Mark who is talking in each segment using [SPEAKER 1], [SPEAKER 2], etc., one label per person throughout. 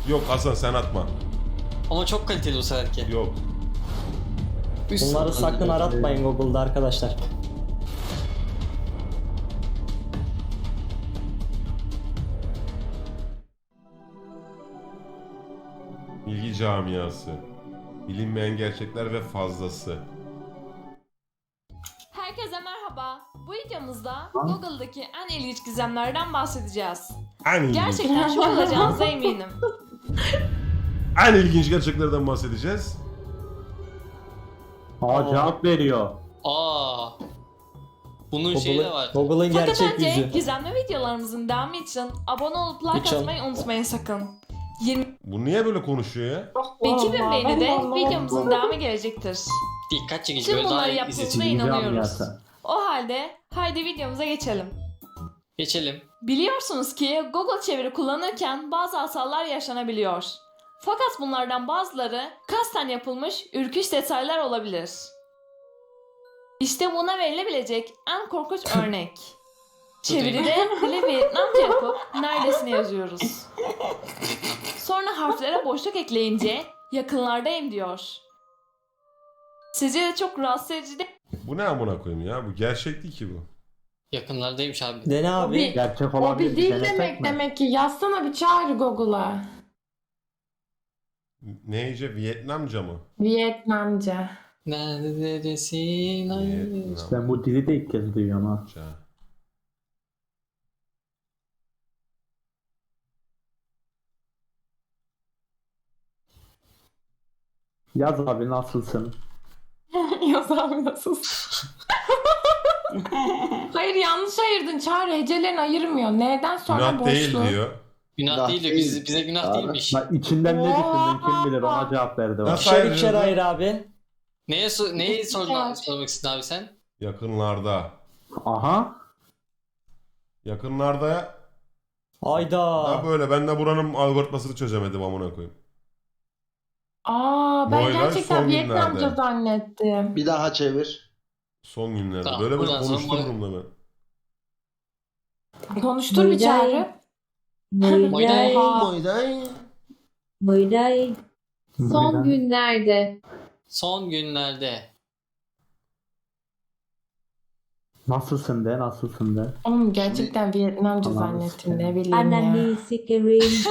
[SPEAKER 1] Yok Hasan sen atma.
[SPEAKER 2] Ama çok kaliteli bu seferki.
[SPEAKER 1] Yok.
[SPEAKER 3] Bunları sakın aratmayın Google'da arkadaşlar.
[SPEAKER 1] Bilgi camiası. Bilinmeyen gerçekler ve fazlası.
[SPEAKER 4] Herkese merhaba. Bu videomuzda Google'daki en ilginç gizemlerden bahsedeceğiz.
[SPEAKER 1] En ilginç.
[SPEAKER 4] Gerçekten şok olacağınıza eminim.
[SPEAKER 1] En ilginç gerçeklerden bahsedeceğiz.
[SPEAKER 5] Cevap veriyor.
[SPEAKER 2] Aa. Bunun şeyi de var.
[SPEAKER 3] Google'ın
[SPEAKER 4] Fakat
[SPEAKER 3] gerçek
[SPEAKER 4] önce
[SPEAKER 3] yüzü.
[SPEAKER 4] gizemli videolarımızın devamı için abone olup like
[SPEAKER 3] Lütfen.
[SPEAKER 4] atmayı unutmayın sakın. 20
[SPEAKER 1] Bu niye böyle konuşuyor ya?
[SPEAKER 4] 2000 beğenide videomuzun devamı gelecektir.
[SPEAKER 2] Dikkat çekici.
[SPEAKER 4] Tüm
[SPEAKER 2] Böyle daha
[SPEAKER 4] bunları
[SPEAKER 2] iyi
[SPEAKER 4] yaptığınıza
[SPEAKER 2] izletici.
[SPEAKER 4] inanıyoruz.
[SPEAKER 5] Camiası.
[SPEAKER 4] O halde haydi videomuza geçelim.
[SPEAKER 2] Geçelim.
[SPEAKER 4] Biliyorsunuz ki Google çeviri kullanırken bazı hatalar yaşanabiliyor. Fakat bunlardan bazıları kasten yapılmış ürküş detaylar olabilir. İşte buna verilebilecek en korkunç örnek. Çeviride dili Vietnamca yapıp neredesine yazıyoruz. Sonra harflere boşluk ekleyince yakınlardayım diyor. Sizce de çok rahatsız edici değil
[SPEAKER 1] Bu ne amına koyayım ya? Bu gerçek değil ki bu.
[SPEAKER 2] Yakınlardaymış abi.
[SPEAKER 3] Dene abi.
[SPEAKER 5] Gerçek
[SPEAKER 6] O
[SPEAKER 5] olabilir.
[SPEAKER 6] bir dil
[SPEAKER 5] denesek
[SPEAKER 6] demek
[SPEAKER 5] mi?
[SPEAKER 6] demek ki. Yazsana bir çağır Google'a.
[SPEAKER 1] Neyce? Vietnamca mı?
[SPEAKER 6] Vietnamca.
[SPEAKER 2] Neredesin? Ay.
[SPEAKER 1] Vietnamca.
[SPEAKER 5] Ben bu dili de ilk kez duyuyorum ha. Yaz abi nasılsın?
[SPEAKER 6] Yaz abi nasılsın? Hayır yanlış ayırdın Çağrı. Hecelerini ayırmıyor. Neden sonra
[SPEAKER 1] Günah
[SPEAKER 6] boşluğu?
[SPEAKER 1] değil diyor.
[SPEAKER 2] Günah değil de bize günah değilmiş.
[SPEAKER 5] Bak içinden ne düşündün kim bilir ona cevap verdi bak.
[SPEAKER 1] Nasıl
[SPEAKER 3] İkişer
[SPEAKER 1] ayıracağız
[SPEAKER 3] ikişer
[SPEAKER 1] lan?
[SPEAKER 3] ayır abi.
[SPEAKER 2] Neyi sormak istedin abi sen?
[SPEAKER 1] Yakınlarda.
[SPEAKER 5] Aha.
[SPEAKER 1] Yakınlarda
[SPEAKER 3] Hayda.
[SPEAKER 1] da böyle. Ben de buranın algoritmasını çözemedim amına koyayım.
[SPEAKER 6] Aa ben
[SPEAKER 1] Boylar
[SPEAKER 6] gerçekten
[SPEAKER 1] son
[SPEAKER 6] Vietnamca
[SPEAKER 1] günlerde.
[SPEAKER 6] zannettim.
[SPEAKER 7] Bir daha çevir.
[SPEAKER 1] Son günlerde.
[SPEAKER 2] Tamam,
[SPEAKER 1] Böyle
[SPEAKER 2] buradan sonra
[SPEAKER 1] konuştururum da ben.
[SPEAKER 6] Konuştur bir Çağrı.
[SPEAKER 2] Moyday.
[SPEAKER 7] Moyday.
[SPEAKER 8] Moyday. Son
[SPEAKER 5] Neden?
[SPEAKER 8] günlerde.
[SPEAKER 2] Son günlerde.
[SPEAKER 5] Nasılsın de nasılsın de.
[SPEAKER 6] Oğlum gerçekten Vietnamca
[SPEAKER 5] Allah'ım
[SPEAKER 6] zannettim ne
[SPEAKER 5] sen.
[SPEAKER 6] bileyim ya.
[SPEAKER 8] Ananı sikerim.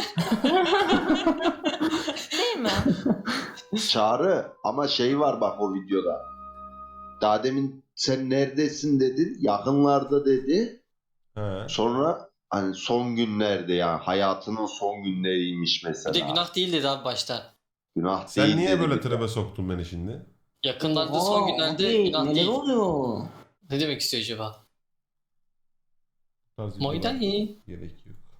[SPEAKER 4] değil mi?
[SPEAKER 7] Çağrı ama şey var bak o videoda. Daha demin sen neredesin dedin. Yakınlarda dedi.
[SPEAKER 1] He.
[SPEAKER 7] Sonra hani son günlerde yani hayatının son günleriymiş
[SPEAKER 2] Bir
[SPEAKER 7] mesela.
[SPEAKER 2] de günah değil dedi abi başta.
[SPEAKER 7] Günah
[SPEAKER 1] Sen
[SPEAKER 7] değil
[SPEAKER 1] niye
[SPEAKER 7] dedi
[SPEAKER 1] böyle
[SPEAKER 7] bir de.
[SPEAKER 1] tribe soktun beni şimdi?
[SPEAKER 2] Yakınlarda son günlerde günah
[SPEAKER 9] neler
[SPEAKER 2] değil.
[SPEAKER 9] oluyor?
[SPEAKER 2] Ne demek istiyor acaba?
[SPEAKER 1] Bu tarz
[SPEAKER 2] Moyday.
[SPEAKER 1] videolar Gerek yok.